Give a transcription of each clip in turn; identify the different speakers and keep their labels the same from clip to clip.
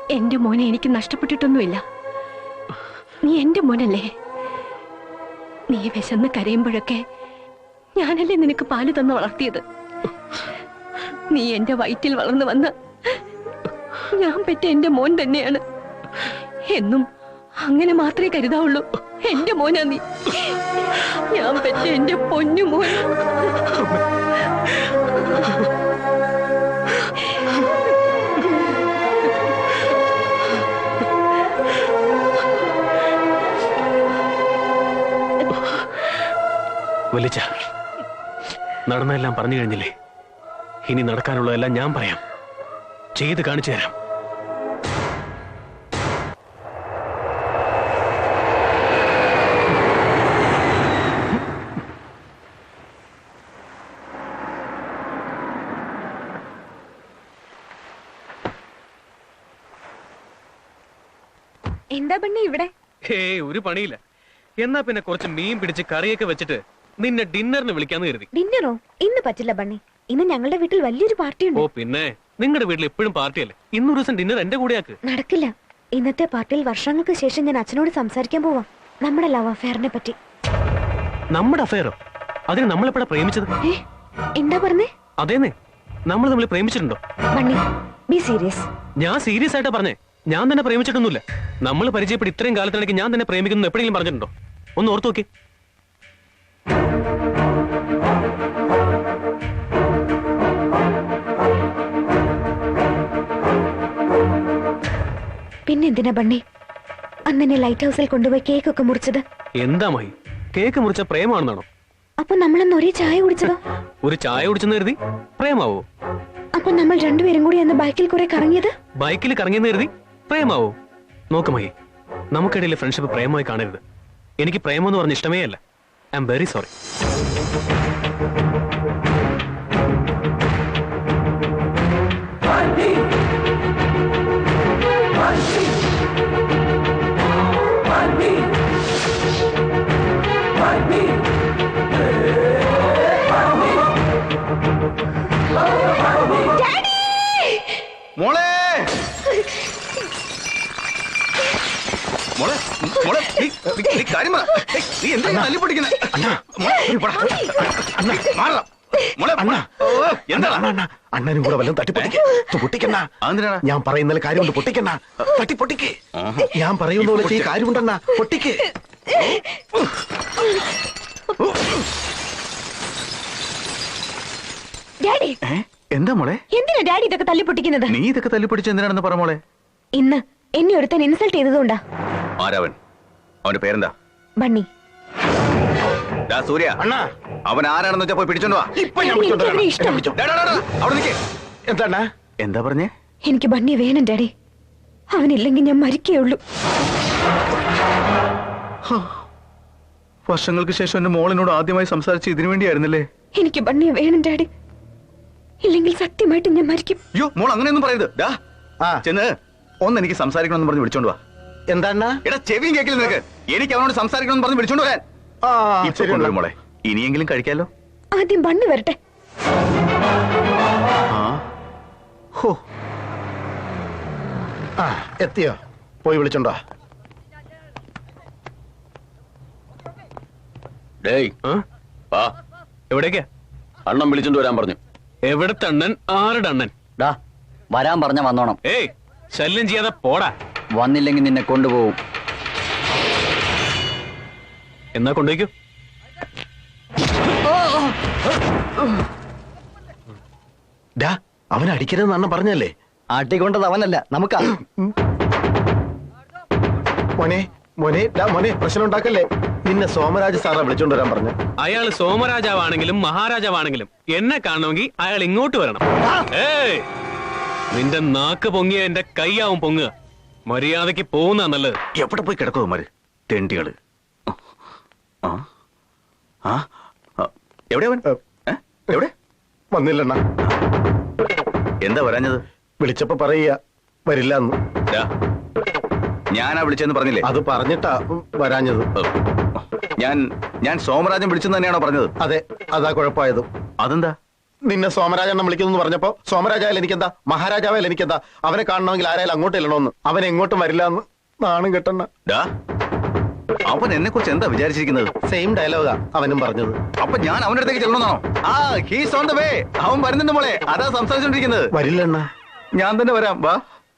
Speaker 1: എന്റെ മോനെ എനിക്ക് നഷ്ടപ്പെട്ടിട്ടൊന്നുമില്ല. നീ എന്റെ മോനല്ലേ? നീ വിശന്ന് കരയുമ്പോഴൊക്കെ ഞാനല്ലേ നിനക്ക് പാല് തന്ന് വളർത്തിയത്. നീ എന്റെ വയറ്റിൽ വളർന്നു വന്ന ഞാൻ പെറ്റ എന്റെ മോൻ തന്നെയാണ്. എന്നും അങ്ങനെ മാത്രമേ കരുതാവുള്ളൂ. എന്റെ മോനാ നീ. ഞാൻ പെറ്റ എന്റെ പൊന്നു മോൻ.
Speaker 2: വലിച്ച നടന്നെല്ലാം പറഞ്ഞു കഴിഞ്ഞില്ലേ? ഇനി നടക്കാനുള്ളതെല്ലാം ഞാൻ പറയാം, ചെയ്ത് കാണിച്ചു തരാം.
Speaker 3: എന്താ ബണ്ണി ഇവിടെ?
Speaker 2: ഒരു പണിയില്ല. എന്നാ പിന്നെ കുറച്ച് മീൻ പിടിച്ച് കറിയൊക്കെ വെച്ചിട്ട് നിന്നെ ഡിന്നറിന് വിളിക്കാന്ന് കരുതി.
Speaker 3: ഡിന്നറോ? ഇന്ന് പറ്റില്ല ബണ്ണി. ഇന്ന് ഞങ്ങളുടെ വീട്ടിൽ വലിയൊരു പാർട്ടി ഉണ്ട്.
Speaker 2: ഓ പിന്നെ, നിങ്ങളുടെ വീട്ടിൽ എപ്പോഴും പാർട്ടിയല്ലേ? ഇന്നൊരു ദിവസം ഡിന്നർ എന്റെ കൂടെയാക്ക്.
Speaker 3: നടക്കില്ല. ഇന്നത്തെ പാർട്ടിയിൽ വർഷങ്ങൾക്ക് ശേഷം ഞാൻ അച്ഛനോട് സംസാരിക്കാൻ പോവാം, നമ്മുടെ ലവ് അഫെയറിനെ പറ്റി.
Speaker 2: നമ്മുടെ അഫെയറോ? അതിന് നമ്മളെപ്പോഴാ പ്രേമിച്ചത്?
Speaker 3: എന്താ പറഞ്ഞേ?
Speaker 2: അതേന്നെ, നമ്മൾ തമ്മിൽ പ്രേമിച്ചിട്ടുണ്ടോ?
Speaker 3: Bunny, be serious.
Speaker 2: ഞാൻ സീരിയസ് ആയിട്ടാ പറഞ്ഞേ. ഞാൻ തന്നെ പ്രേമിച്ചിട്ടൊന്നുമില്ല. നമ്മൾ പരിചയപ്പെട്ട് ഇത്രയും കാലത്തിനിടയ്ക്ക് ഞാൻ തന്നെ പ്രേമിക്കുന്നു എപ്പോഴെങ്കിലും പറഞ്ഞിട്ടുണ്ടോ? ഒന്ന് ഓർത്തു നോക്കി.
Speaker 3: പിന്നെന്തിനാ ബണ്ണി അന്നെ ലൈറ്റ് ഹൗസിൽ കൊണ്ടുപോയി കേക്ക് ഒക്കെ മുറിച്ചത്?
Speaker 2: എന്താ മഹി, കേക്ക് മുറിച്ച പ്രേമാണെന്നാണോ?
Speaker 3: അപ്പൊ നമ്മളന്ന് ഒരേ ചായ കുടിച്ചതോ?
Speaker 2: ഒരു ചായ കുടിച്ചെന്ന് കരുതി പ്രേമാവോ?
Speaker 3: അപ്പൊ നമ്മൾ രണ്ടുപേരും കൂടി അന്ന് ബൈക്കിൽ കുറെ കറങ്ങിയത്?
Speaker 2: ബൈക്കിൽ കറങ്ങിയെന്ന് കരുതി പ്രേമാവോ? നോക്ക് മഹി, നമുക്കിടയിൽ ഫ്രണ്ട്ഷിപ്പ് പ്രേമമായി കാണരുത്. എനിക്ക് പ്രേമം എന്ന് പറഞ്ഞ ഇഷ്ടമേ അല്ല. I am very sorry.
Speaker 4: മോളെ മോളെ മോളെ കാര്യം പറ. നീ എന്താ തല്ലി പൊട്ടിക്കുന്നേ?
Speaker 5: അണ്ണനും കൂടെ വല്ലതും തട്ടിപ്പൊട്ടിക്കണ്ട. ഞാൻ പറയുന്ന കാര്യമുണ്ട്, പൊട്ടിക്കണ്ട. തട്ടിപ്പൊട്ടിക്ക്. ഞാൻ പറയുന്ന പോലെ കാര്യമുണ്ടെന്നാ, പൊട്ടിക്ക്.
Speaker 4: എന്താ മോളെ?
Speaker 3: എന്തിനാ ഡാഡി ഇതൊക്കെ തല്ലിപ്പൊട്ടിക്കുന്നത്?
Speaker 4: നീ ഇതൊക്കെ തല്ലിപ്പൊട്ടിച്ച് എന്തിനാണെന്ന് പറ മോളെ.
Speaker 3: ഇന്ന് എന്നെ ഒരുത്തൻ ഇൻസൾട്ട് ചെയ്തതുകൊണ്ടാ.
Speaker 4: ആരവൻ? അവന്റെ പേരെന്താ?
Speaker 3: ബണ്ണി.
Speaker 4: സൂര്യ, അവൻ ആരാണെന്ന് വെച്ചാ പോയി പിടിച്ചോണ്ട് വാ. എന്താ പറഞ്ഞേ?
Speaker 3: എനിക്ക് ബണ്ണി വേണം ഡാഡി. അവനില്ലെങ്കിൽ ഞാൻ മരിക്കുകയുള്ളൂ.
Speaker 4: വർഷങ്ങൾക്ക് ശേഷം എന്റെ മോളിനോട് ആദ്യമായി സംസാരിച്ച് ഇതിനു വേണ്ടിയായിരുന്നല്ലേ?
Speaker 3: എനിക്ക് ബണ്ണിയെ വേണം ഡാഡി, ഇല്ലെങ്കിൽ സത്യമായിട്ട് ഞാൻ മരിക്കും.
Speaker 4: അയ്യോ മോൾ അങ്ങനെയൊന്നും പറയരുത്. ചെന്ന് ഒന്ന് എനിക്ക് സംസാരിക്കണമെന്ന് പറഞ്ഞ് വിളിച്ചോണ്ട് വാ.
Speaker 5: എന്താണ്?
Speaker 4: എടാ ചെവിയും കേക്കില്ല നിനക്ക്? എനിക്ക് അവനോട് സംസാരിക്കണമെന്ന് പറഞ്ഞ് വിളിച്ചോണ്ട് വരാൻ. മോളെ ഇനിയെങ്കിലും കഴിക്കാലോ.
Speaker 3: ആദ്യം ബണ്ണി വരട്ടെ.
Speaker 5: എത്തിയോ? പോയി വിളിച്ചോണ്ടോ?
Speaker 2: എവിടേക്കാ?
Speaker 6: അണ്ണൻ വിളിച്ചോണ്ട് വരാൻ പറഞ്ഞു.
Speaker 2: എവിടത്തെ അണ്ണൻ? ആരുടെ അണ്ണൻ?
Speaker 6: വരാൻ പറഞ്ഞ വന്നോണം.
Speaker 2: ഏയ്, ശല്യം ചെയ്യാതെ പോടാ.
Speaker 6: വന്നില്ലെങ്കിൽ നിന്നെ കൊണ്ടുപോകും.
Speaker 2: എന്നാ കൊണ്ടുപോയിക്കോ.
Speaker 5: അവൻ അടിക്കരുതെന്ന് അണ്ണൻ പറഞ്ഞല്ലേ?
Speaker 6: ആട്ടിക്കൊണ്ടത് അവനല്ല, നമുക്കാ.
Speaker 5: മോനെ മോനെ മോനെ, പ്രശ്നം ഉണ്ടാക്കല്ലേ. നിന്നെ സോമരാജ് സാറാ വിളിച്ചോണ്ട് വരാൻ പറഞ്ഞു.
Speaker 2: അയാൾ സോമരാജാവാണെങ്കിലും മഹാരാജാവാണെങ്കിലും എന്നെ കാണണമെങ്കിൽ അയാൾ ഇങ്ങോട്ട് വരണം. ഏയ്, നിന്റെ നാക്ക് പൊങ്ങിയ എന്റെ കൈയാവും പൊങ്ങുക. മര്യാദക്ക് പോകുന്ന നല്ലത്.
Speaker 4: എവിടെ പോയി കിടക്കുമാര് തെണ്ടികള്? എവിടെ അവൻ? എവിടെ?
Speaker 5: വന്നില്ലണ്ണ.
Speaker 4: എന്താ വരാഞ്ഞത്?
Speaker 5: വിളിച്ചപ്പോ പറയുക വരില്ല എന്ന്.
Speaker 4: ഞാനാ വിളിച്ചെന്ന് പറഞ്ഞില്ലേ?
Speaker 5: അത് പറഞ്ഞിട്ടാ വരാഞ്ഞത്.
Speaker 4: ഞാൻ സോമരാജൻ വിളിച്ചെന്ന് തന്നെയാണോ പറഞ്ഞത്?
Speaker 5: അതെ, അതാ കുഴപ്പമായത്.
Speaker 4: അതെന്താ?
Speaker 5: നിന്നെ സോമരാജെണ്ണം വിളിക്കുന്നു പറഞ്ഞപ്പോ സോമരാജായാലും എനിക്കെന്താ, മഹാരാജാവായാലും എനിക്കെന്താ, അവനെ കാണണമെങ്കിൽ ആരായാലും അങ്ങോട്ട് ഇല്ലണോന്ന്. അവൻ എങ്ങോട്ടും വരില്ല എന്ന് നാണം കെട്ടണ.
Speaker 4: അവൻ എന്നെ കുറിച്ച് എന്താ വിചാരിച്ചിരിക്കുന്നത്?
Speaker 5: സെയിം ഡയലോഗാ അവനും പറഞ്ഞത്.
Speaker 4: അപ്പൊ ഞാൻ അവന്റെ അടുത്തേക്ക് ചെല്ലണമെന്നാണോ? He's on the way. അവൻ വരുന്നുണ്ട് മോളെ, അതാ സംസാരിച്ചോണ്ടിരിക്കുന്നത്.
Speaker 5: വരില്ലണ്ണ,
Speaker 4: ഞാൻ തന്നെ വരാം, വാ.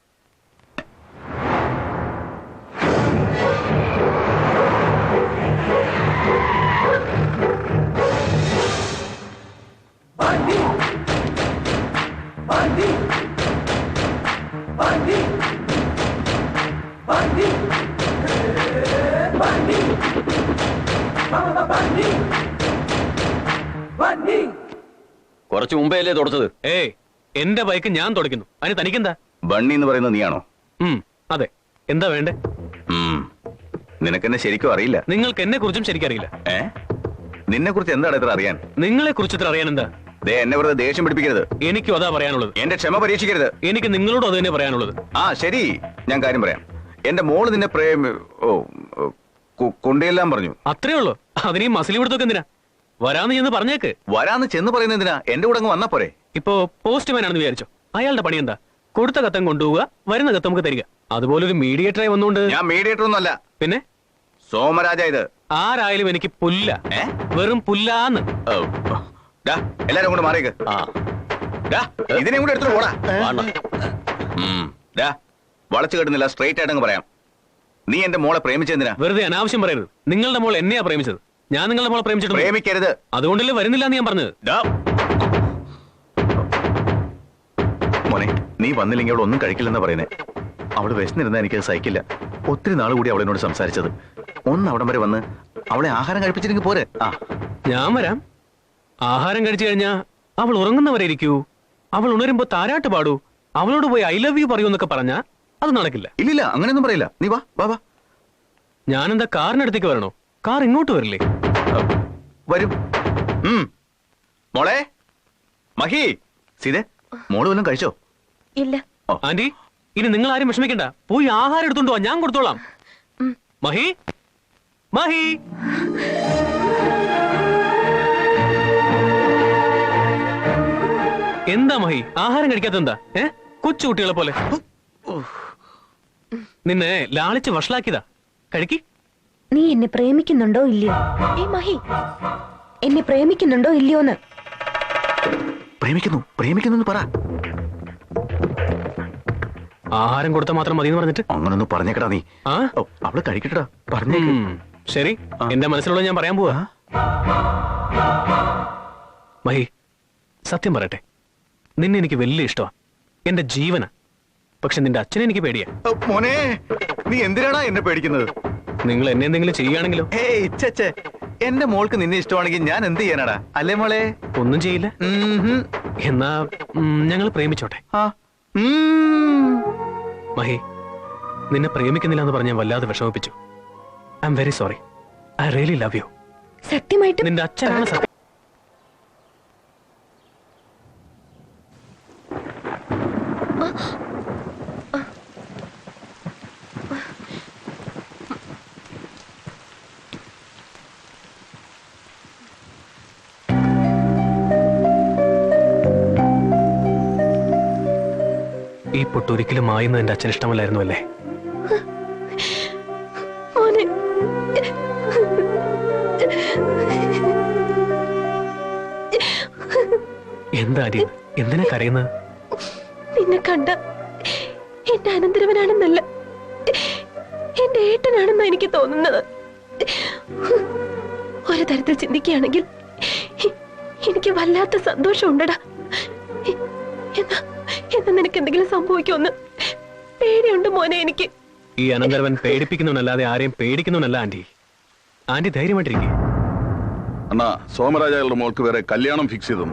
Speaker 6: കുറച്ചു മുമ്പേ അല്ലേ തുടച്ചത്?
Speaker 2: ഏയ്, എന്റെ ബൈക്ക് ഞാൻ തുടയ്ക്കുന്നു, അതിന് തനിക്കെന്താ?
Speaker 4: ബണ്ണി എന്ന് പറയുന്നത് നീയാണോ?
Speaker 2: അതെ. എന്താ വേണ്ടേ?
Speaker 4: നിനക്കെന്നെ ശരിക്കും അറിയില്ല.
Speaker 2: നിങ്ങൾക്ക് എന്നെ കുറിച്ചും ശരിക്കറിയില്ല.
Speaker 4: നിന്നെ കുറിച്ച് എന്താണ് ഇത്ര അറിയാൻ?
Speaker 2: നിങ്ങളെ കുറിച്ച് ഇത്ര അറിയാൻ എന്താ?
Speaker 4: എന്നെ വെറുതെ ദേഷ്യം പിടിപ്പിക്കരുത്.
Speaker 2: എനിക്കും അതാ പറയാനുള്ളത്.
Speaker 4: എന്റെ ക്ഷമ പരീക്ഷിക്കരുത്.
Speaker 2: എനിക്ക് നിങ്ങളോട് അത് തന്നെ പറയാനുള്ളത്.
Speaker 4: ശരി, ഞാൻ കാര്യം പറയാം. എന്റെ മോള് നിന്നെ കൊണ്ടുചെല്ലാൻ പറഞ്ഞു.
Speaker 2: അത്രേ ഉള്ളൂ. അതിനീ മസിലി കൊടുത്തൊക്കെ എന്തിനാ? വരാന്ന് ചെന്ന് പറഞ്ഞേക്ക്.
Speaker 4: വരാന്ന് ചെന്ന് പറയുന്നത് എന്തിനാ? എന്റെ കൂടെ അങ്ങ് വന്നാ പോരെ?
Speaker 2: ഇപ്പോ പോസ്റ്റ്മാൻ ആണെന്ന് വിചാരിച്ചോ, അയാളുടെ പണി എന്താ? കൊടുത്ത കത്തം കൊണ്ടുപോവുക, വരുന്ന കത്ത് നമുക്ക് തരിക. അതുപോലെ ഒരു മീഡിയേറ്ററായി വന്നുകൊണ്ട്.
Speaker 4: ഞാൻ മീഡിയേറ്റർ ഒന്നും അല്ല. പിന്നെ സോമരാജ. ഇത്
Speaker 2: ആരായാലും എനിക്ക് പുല്ല, വെറും പുല്ലാന്ന്.
Speaker 4: എല്ലാരും കൂടെ മാറിയേക്ക്. ഇതിനെ കൂടെ എടുത്തിട്ട് പോടാ. വളച്ചു കെട്ടുന്നില്ല, സ്ട്രൈറ്റ് ആയിട്ട് അങ്ങ് പറയാം. നീ എന്റെ മോളെ പ്രേമിച്ചെന്തിനാ?
Speaker 2: വെറുതെ അനാവശ്യം പറയരുത്. നിങ്ങളുടെ മോൾ എന്നെയാ പ്രേമിച്ചത്, ഞാൻ നിങ്ങളുടെ മോളെ പ്രേമിച്ചിട്ട്.
Speaker 4: പ്രേമിക്കരുത്.
Speaker 2: അതുകൊണ്ടല്ലേ വരുന്നില്ല എന്ന് ഞാൻ പറഞ്ഞത്.
Speaker 4: മോനെ, നീ വന്നില്ലെങ്കിൽ അവൾ ഒന്നും കഴിക്കില്ലെന്നാ പറയുന്നേ. അവള് വിശന്നിരുന്നാ എനിക്കത് സഹിക്കില്ല. ഒത്തിരി നാൾ കൂടി അവളെന്നോട് സംസാരിച്ചത്. ഒന്ന് അവിടം വരെ വന്ന് അവളെ ആഹാരം കഴിപ്പിച്ചില്ലെങ്കിൽ പോരെ?
Speaker 2: ഞാൻ വരാം. ആഹാരം കഴിച്ചു കഴിഞ്ഞാ അവൾ ഉറങ്ങുന്നവരെ ഇരിക്കൂ, അവൾ ഉണരുമ്പോ താരാട്ട് പാടൂ, അവളോട് പോയി ഐ ലവ് യു പറയൂ എന്നൊക്കെ പറഞ്ഞാ അത് നടക്കില്ല.
Speaker 4: ഇല്ലില്ല, അങ്ങനെയൊന്നും പറയില്ല. നീ വാ വാ വാ.
Speaker 2: ഞാനെന്താ കാറിനടുത്തേക്ക് വരണോ? കാർ ഇങ്ങോട്ട് വരില്ലേ?
Speaker 4: വരും. മോളെ, മഹി, സീതേ, മോള് വല്ലതും കഴിച്ചോ?
Speaker 3: ഇല്ല.
Speaker 2: ആന്റി, ഇനി നിങ്ങൾ ആരും വിഷമിക്കണ്ട. പോയി ആഹാരം എടുത്തോണ്ട് വാ, ഞാൻ കൊടുത്തോളാം. മഹി, മഹി. എന്താ മഹി, ആഹാരം കഴിക്കാത്ത എന്താ? കൊച്ചു കുട്ടികളെ പോലെ. നിന്നെ ലാളിച്ച് വഷളാക്കിയതാ. കഴിക്കി.
Speaker 3: നീ എന്നെ പ്രേമിക്കുന്നുണ്ടോ ഇല്ലയോ? മഹി, എന്നെ പ്രേമിക്കുന്നുണ്ടോ ഇല്ലയോന്ന്?
Speaker 4: പ്രേമിക്കുന്നു പറ.
Speaker 2: ആഹാരം കൊടുത്താൽ മാത്രം മതി എന്ന് പറഞ്ഞിട്ട്
Speaker 4: അങ്ങനൊന്നും പറഞ്ഞേക്കടാ നീ. അവള് കഴിക്കട്ടാ, പറഞ്ഞേ.
Speaker 2: ശരി, എന്റെ മനസ്സിലുള്ള ഞാൻ പറയാൻ പോവാ. മഹി, സത്യം പറയട്ടെ, നിന്നെ എനിക്ക് വലിയ ഇഷ്ടമാ, എന്റെ ജീവന. പക്ഷെ നിന്റെ അച്ഛനെ എനിക്ക് പേടിയാ.
Speaker 4: മോനെ, നീ എന്തിനാടാ എന്നെ പേടിക്കുന്നത്?
Speaker 2: നിങ്ങൾ എന്നെ എന്തെങ്കിലും ചെയ്യുകയാണെങ്കിലോ?
Speaker 4: എന്റെ മോൾക്ക് നിന്നെ ഇഷ്ടമാണെങ്കിൽ ഞാൻ എന്ത് ചെയ്യാനാടാ? അല്ലേ മോളെ?
Speaker 2: ഒന്നും ചെയ്യില്ല. എന്നാ ഞങ്ങൾ പ്രേമിച്ചോട്ടെ. മഹി, നിന്നെ പ്രേമിക്കുന്നില്ല എന്ന് പറഞ്ഞ് ഞാൻ വല്ലാതെ വിഷമിപ്പിച്ചു. I am very sorry. I really love you.
Speaker 3: സത്യമായിട്ട്
Speaker 2: നിന്റെ അച്ഛനാണ് സത്യം. ഈ പൊട്ടൊരിക്കലും മായുന്നത് എന്റെ അച്ഛൻ ഇഷ്ടമല്ലായിരുന്നു അല്ലേ? എന്താ അരി, എന്തിനാ കരയുന്നത്?
Speaker 1: നിന്നെ കണ്ട എന്റെ അനന്തരവനാണെന്നല്ല, എന്റെ ഏട്ടനാണെന്നാ എനിക്ക് തോന്നുന്നത്. ഒരു തരത്തിൽ ചിന്തിക്കുകയാണെങ്കിൽ എനിക്ക് വല്ലാത്ത സന്തോഷം ഉണ്ടടാ. എന്നാ നിനക്ക് എന്തെങ്കിലും സംഭവിക്കുമെന്ന് പേടിയുണ്ട് മോനെ എനിക്ക്.
Speaker 2: ഈ അനന്തരവൻ പേടിപ്പിക്കുന്നവനല്ലാതെ ആരെയും പേടിക്കുന്നവനല്ല ആന്റി. ആന്റി ധൈര്യമായിട്ടിരിക്കെ.
Speaker 7: അണ്ണാ, സോമരാജയുടെ മോൾക്ക് വേറെ കല്യാണം ഫിക്സ് ചെയ്തു.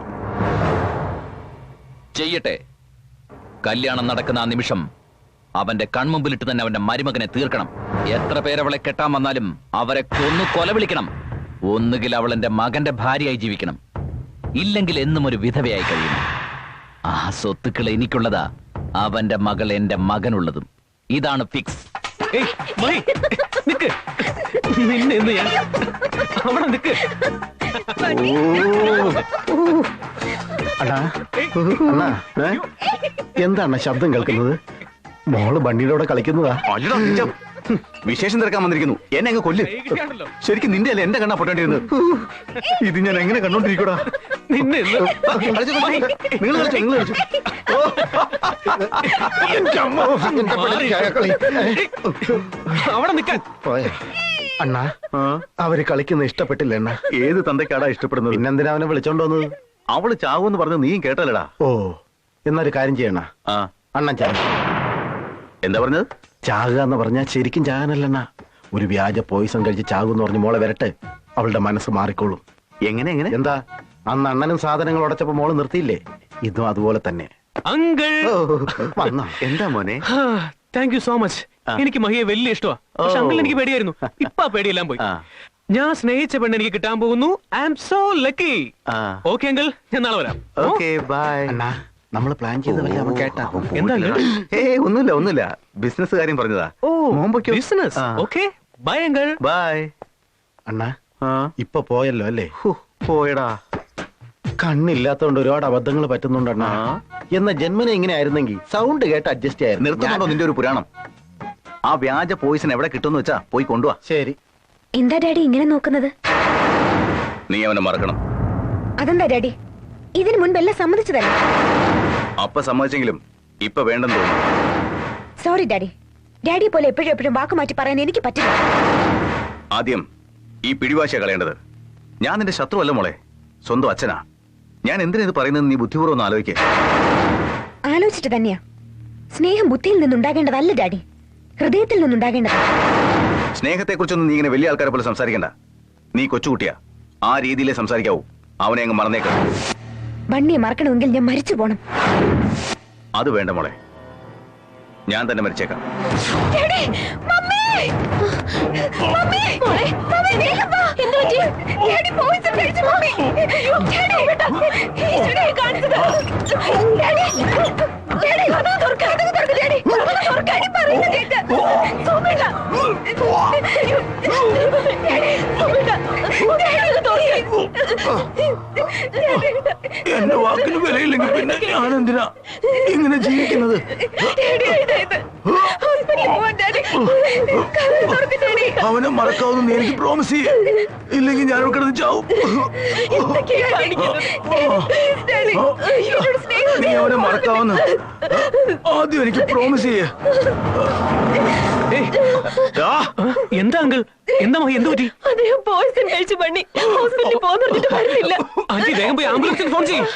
Speaker 8: ചെയ്യട്ടെ. കല്യാണം നടക്കുന്ന ആ നിമിഷം അവന്റെ കൺമുമ്പിലിട്ട് തന്നെ അവന്റെ മരുമകനെ തീർക്കണം. എത്ര പേരവളെ കെട്ടാൻ വന്നാലും അവരെ കൊന്നു കൊലവിളിക്കണം. ഒന്നുകിൽ അവൾ എന്റെ മകന്റെ ഭാര്യയായി ജീവിക്കണം, ഇല്ലെങ്കിൽ എന്നും ഒരു വിധവയായി കഴിയണം. ആ സ്വത്തുക്കൾ എനിക്കുള്ളതാ, അവന്റെ മകൾ എന്റെ മകനുള്ളതും. ഇതാണ് ഫിക്സ്.
Speaker 2: നിന്നെ ഞാൻ അവിടെ നിൽക്ക്.
Speaker 5: അണ്ണാ അണ്ണാ എന്താണ് ശബ്ദം കേൾക്കുന്നത്? മോള് ബണ്ണിയുടെ കളിക്കുന്നതാ.
Speaker 4: അല്ലടാ നിജം. വിശേഷം തിരക്കാൻ വന്നിരിക്കുന്നു. എന്നെ അങ്ങ് കൊല്ല്. ശരിക്കും നിന്റെ അല്ലേ എന്റെ കണ്ണാ പൊട്ടേണ്ടിരുന്നത്. ഇത് ഞാൻ എങ്ങനെ കണ്ടോണ്ടിരിക്കൂടാ?
Speaker 2: നിന്നെ ഇന്ന്
Speaker 4: നിങ്ങൾ കളിച്ചു.
Speaker 2: അവിടെ നിൽക്കാൻ.
Speaker 5: അണ്ണാ അവര് കളിക്കുന്ന ഇഷ്ടപ്പെട്ടില്ല അണ്ണാ.
Speaker 4: ഏത് തന്തയ്ക്കാടാ ഇഷ്ടപ്പെടുന്നത്?
Speaker 5: പിന്നെന്തിനാ അവനെ വിളിച്ചോണ്ട് വന്നത്?
Speaker 4: അവള് ചാവൂന്ന് പറഞ്ഞ് നീയും കേട്ടല്ലടാ.
Speaker 5: ഓ എന്നൊരു കാര്യം ചെയ്യണ.
Speaker 4: ആ
Speaker 5: അണ്ണൻ ചാക.
Speaker 4: എന്താ പറഞ്ഞത്?
Speaker 5: ചാകുക എന്ന് പറഞ്ഞാൽ ശരിക്കും ചാകാനല്ലണ്ണ. ഒരു വ്യാജ പോയിസൺ കഴിച്ച് ചാകുന്ന് പറഞ്ഞ് മോളെ വരട്ടെ, അവളുടെ മനസ്സ് മാറിക്കോളും.
Speaker 4: എങ്ങനെ എങ്ങനെ?
Speaker 5: എന്താ അന്ന് അണ്ണനും സാധനങ്ങൾ ഉടച്ചപ്പോ മോള് നിർത്തിയില്ലേ? ഇതും അതുപോലെ തന്നെ.
Speaker 2: അങ്കിൾ
Speaker 5: വന്നോ?
Speaker 4: എന്താ മോനെ?
Speaker 2: Thank you so much. എനിക്ക് മഹിയെ വലിയ ഇഷ്ടമാ. പക്ഷെ അങ്കിൾ എനിക്ക് പേടിയായിരുന്നു. ഇപ്പൊ ആ പേടിയെല്ലാം പോയി. ഞാൻ സ്നേഹിച്ച പെണ്ണ് എനിക്ക് കിട്ടാൻ പോകുന്നു. I am so lucky. Okay uncle, ഞാൻ നാളെ വരാം.
Speaker 4: Okay bye.
Speaker 5: അണ്ണാ നമ്മള് പ്ലാൻ ചെയ്ത വല്ല അവൻ കേട്ടാ?
Speaker 2: എന്താ
Speaker 4: ഒന്നുമില്ല ബിസിനസ് കാര്യം പറഞ്ഞതാ.
Speaker 2: Business. Okay bye uncle.
Speaker 4: Bye.
Speaker 5: അണ്ണാ ഇപ്പൊ പോയല്ലോ അല്ലേ?
Speaker 4: പോയടാ.
Speaker 5: കണ്ണില്ലാത്തോണ്ട് ഒരുപാട് അബദ്ധങ്ങൾ പറ്റുന്നുണ്ട് അണ്ണാ. എന്ന ജന്മനെ ഇങ്ങനെ ആയിരുന്നെങ്കിൽ സൗണ്ട് കേട്ട് അഡ്ജസ്റ്റ് ആയിരുന്നു.
Speaker 4: നിർത്തുന്നുണ്ടോ നിന്റെ ഒരു പുരാണം? ആ വ്യാജ പോയിസൺ എവിടെ കിട്ടുമെന്ന് വെച്ചാ പോയി കൊണ്ടുവാ.
Speaker 5: ശരി.
Speaker 3: എന്താ ഡാഡി ഇങ്ങനെ നോക്കുന്നത്?
Speaker 4: നീ അവനെ മറക്കണം.
Speaker 3: അതെന്താ ഡാഡി? ഇതിനു മുൻപെല്ലാം സമ്മതിച്ചതല്ലേ?
Speaker 4: അപ്പ സമ്മതിച്ചെങ്കിലും ഇപ്പൊ വേണ്ടെന്ന് തോന്നുന്നു.
Speaker 3: Sorry daddy. ഡാഡിയെ പോലെ എപ്പോഴും എപ്പോഴും വാക്ക് മാറ്റി പറയാൻ എനിക്ക് പറ്റില്ല.
Speaker 4: ആദ്യം ഈ പിടിവാശിയ കളയേണ്ടത്. ഞാൻ നിന്റെ ശത്രുവല്ല മോളെ, സ്വന്തം അച്ഛനാ. ഞാൻ എന്തിനാ ഇത് പറയുന്നത് നീ ബുദ്ധിപൂർവ്വം ഒന്ന് ആലോചിക്കേ.
Speaker 3: ആലോചിച്ചിട്ട് തന്നെയാ. സ്നേഹം ബുദ്ധിയിൽ നിന്നുണ്ടാകേണ്ടതല്ല ഡാഡി, ഹൃദയത്തിൽ നിന്നുണ്ടാകേണ്ടത്.
Speaker 4: സ്നേഹത്തെ കുറിച്ചൊന്നും നീ ഇങ്ങനെ വലിയ ആൾക്കാരെ പോലെ സംസാരിക്കണ്ട. നീ കൊച്ചുകുട്ടിയാ, ആ രീതിയിലേ സംസാരിക്കാവൂ. അവനെ അങ്ങ് മറന്നേക്ക.
Speaker 3: ബണ്ണിയെ മറക്കണമെങ്കിൽ ഞാൻ മരിച്ചു പോണം.
Speaker 4: അത് വേണ്ട മോളെ, ഞാൻ തന്നെ മരിച്ചേക്കാം.
Speaker 5: എന്റെ വാക്കിന് വിലയില്ലെങ്കിൽ പിന്നെ ഞാൻ എന്തിനാ ഇങ്ങനെ ജീവിക്കുന്നത്? അവനെ മറക്കാവുന്ന നീ എനിക്ക് പ്രോമിസ് ചെയ്യേ, ഇല്ലെങ്കിൽ ഞാൻ കിടന്ന് ചാവും. നീ അവനെ മറക്കാവുന്ന ആദ്യം എനിക്ക് പ്രോമിസ് ചെയ്യേ.
Speaker 2: എന്താ അങ്കിൾ? എന്താ മഹി? എന്ത് പറ്റി?
Speaker 1: അദ്ദേഹം പോയിസൺ കഴിച്ചു ബണ്ണി ഹോസ്പിറ്റലിൽ പോകുന്നിട്ട് വരുന്നില്ല.
Speaker 2: ആന്റി വേഗം പോയി ആംബുലൻസിന് ഫോൺ ചെയ്യും.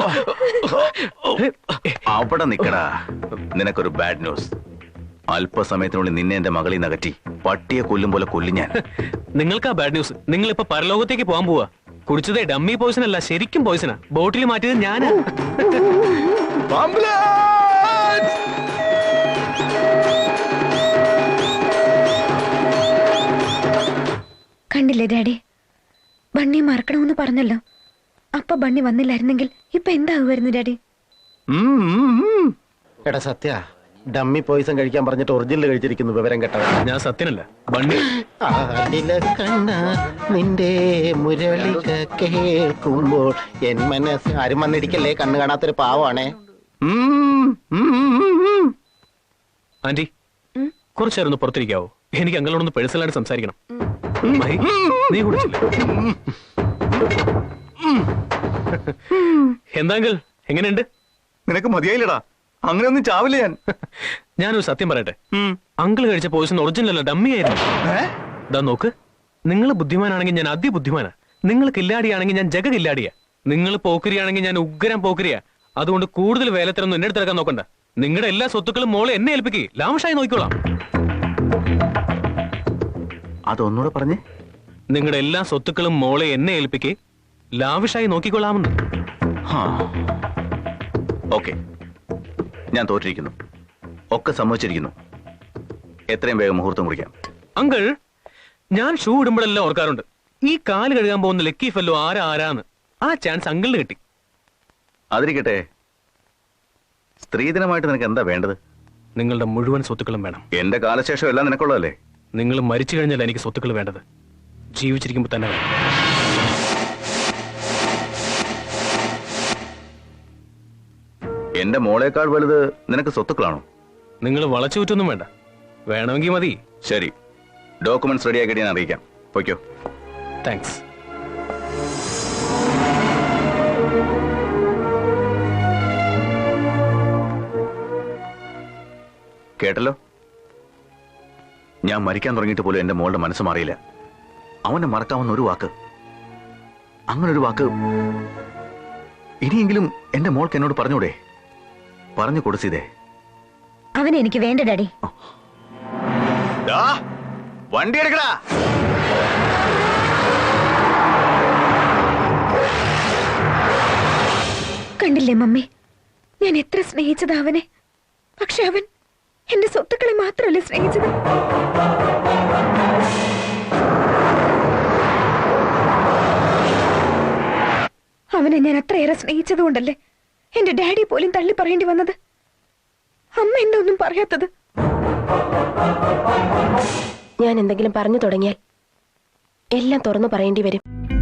Speaker 4: അവിടെ നിക്കടാ. നിനക്കൊരു ബാഡ് ന്യൂസ്. അല്പസമയത്തിനുള്ളിൽ നിന്നെ എന്റെ മകളിൽ നകറ്റി പട്ടിയെ കൊല്ലും പോലെ കൊല്ലും ഞാൻ.
Speaker 2: നിങ്ങൾക്ക് ആ ബാഡ് ന്യൂസ്. നിങ്ങൾ ഇപ്പൊ പരലോകത്തേക്ക് പോകാൻ പോവാ. കുടിച്ചതേ ഡമ്മി പോയിസൺ അല്ല, ശരിക്കും പോയിസണാ. ബോട്ടിൽ മാറ്റിയത് ഞാനാ.
Speaker 3: കണ്ടില്ലേ ഡാഡി, ബണ്ണി മറക്കണമെന്ന് പറഞ്ഞല്ലോ. അപ്പൊ ബണ്ണി വന്നില്ലായിരുന്നെങ്കിൽ ഇപ്പൊ എന്താകുമായിരുന്നു ഡാഡി?
Speaker 5: എടാ സത്യ, ഡമ്മി പോയിസൺ കഴിക്കാൻ പറഞ്ഞിട്ട് ഒറിജിനൽ കഴിച്ചിരിക്കുന്നു. വിവരം കേട്ടവ.
Speaker 2: ഞാൻ സത്യനല്ല, ബണ്ണി.
Speaker 5: നിന്റെ മുരളിക കേൾക്കുമ്പോൾ എൻ മനസ്സ്. ആരും വന്നിരിക്കല്ലേ, കണ്ണു കാണാത്തൊരു പാവാണേ.
Speaker 2: ആന്റി കുറച്ചേരൊന്ന് പുറത്തിരിക്കാവോ? എനിക്ക് അങ്ങളോടൊന്ന് പേഴ്സണലായിട്ട് സംസാരിക്കണം. മഹി, നീ കുടിച്ചില്ല? എന്താ അങ്കിൾ, എങ്ങനെയുണ്ട്?
Speaker 4: നിനക്ക് മതിയായില്ലടാ. അങ്ങനെയൊന്നും ചാവില്ല ഞാൻ.
Speaker 2: ഞാനൊരു സത്യം പറയട്ടെ. അങ്കിൾ കഴിച്ച പോയിസൺ ഒറിജിനൽ അല്ല, ഡമ്മി ആയിരുന്നു. ഇതാ നോക്ക്, നിങ്ങൾ ബുദ്ധിമാനാണെങ്കിൽ ഞാൻ അതിബുദ്ധിമാനാ. നിങ്ങൾ കില്ലാടിയാണെങ്കിൽ ഞാൻ ജഗ കില്ലാടിയാ. നിങ്ങൾ പോക്കരിയാണെങ്കിൽ ഞാൻ ഉഗ്രം പോക്കരിയാ. അതുകൊണ്ട് കൂടുതൽ വേലത്തിനൊന്നും എന്നെ അടുത്തിറക്കാൻ നോക്കണ്ട. നിങ്ങളുടെ എല്ലാ സ്വത്തുക്കളും മോളെ എന്നെ ഏൽപ്പിക്കേ, ലാവിഷായി നോക്കിക്കോളാം.
Speaker 4: അതൊന്നുകൂടെ പറഞ്ഞേ.
Speaker 2: നിങ്ങളുടെ എല്ലാ സ്വത്തുക്കളും മോളെ എന്നെ ഏൽപ്പിക്കേ, ലാവിഷായി നോക്കിക്കൊള്ളാമെന്ന്.
Speaker 4: ഓക്കെ, ഞാൻ തോറ്റിരിക്കുന്നു. ഒക്കെ സമ്മതിച്ചിരിക്കുന്നു. എത്രയും വേഗം മുഹൂർത്തം കുറിക്കാം.
Speaker 2: അങ്കിൾ, ഞാൻ ഷൂ ഇടുമ്പോഴെല്ലാം ഓർക്കാറുണ്ട്, ഈ കാല് കഴുകാൻ പോകുന്ന ലക്കി ഫെല്ലോ ആരാന്ന്. ആ ചാൻസ് അങ്കിളിന് കിട്ടി.
Speaker 4: അതിരിക്കട്ടെ, സ്ത്രീധനമായിട്ട് നിനക്ക് എന്താ വേണ്ടത്?
Speaker 2: നിങ്ങളുടെ മുഴുവൻ സ്വത്തുക്കളും വേണം.
Speaker 4: എന്റെ കാലശേഷം എല്ലാം നിനക്കുള്ളതല്ലേ?
Speaker 2: നിങ്ങൾ മരിച്ചു കഴിഞ്ഞാൽ എനിക്ക് സ്വത്തുക്കൾ വേണ്ടത്, ജീവിച്ചിരിക്കുമ്പോൾ തന്നെ വേണം.
Speaker 4: എന്റെ മോളേക്കാൾ വലുത് നിനക്ക് സ്വത്തുക്കളാണോ?
Speaker 2: നിങ്ങൾ വളച്ചുകൂറ്റൊന്നും വേണ്ട, വേണമെങ്കിൽ മതി.
Speaker 4: ശരി, ഡോക്യുമെന്റ്സ് റെഡിയാക്കിയിട്ട് ഞാൻ അറിയിക്കാം. പൊയ്ക്കോ.
Speaker 2: താങ്ക്സ്.
Speaker 4: കേട്ടല്ലോ, ഞാൻ മരിക്കാൻ തുടങ്ങിയിട്ട് പോലും എന്റെ മോളുടെ മനസ്സ് മാറിയില്ല. അവനെ മറക്കാവുന്ന ഒരു വാക്ക്, അങ്ങനൊരു വാക്ക് ഇനിയെങ്കിലും എന്റെ മോൾക്ക് എന്നോട് പറഞ്ഞൂടെ? പറഞ്ഞു കൊടുത്തേ.
Speaker 3: അവനെ എനിക്ക് വേണ്ട ഡാഡി.
Speaker 4: വണ്ടി എടുക്കടാ.
Speaker 3: കണ്ടില്ലേ മമ്മി, ഞാൻ എത്ര സ്നേഹിച്ചത് അവനെ. പക്ഷെ അവൻ എന്റെ സ്വത്തുക്കളെ മാത്രമല്ല സ്നേഹിച്ചത്. അവനെ ഞാൻ അത്രയേറെ സ്നേഹിച്ചത് കൊണ്ടല്ലേ എന്റെ ഡാഡി പോലും തള്ളി പറയേണ്ടി വന്നത്. അമ്മ എന്താ ഒന്നും പറയാത്തത്?
Speaker 1: ഞാൻ എന്തെങ്കിലും പറഞ്ഞു തുടങ്ങിയാൽ എല്ലാം തുറന്നു പറയേണ്ടി വരും.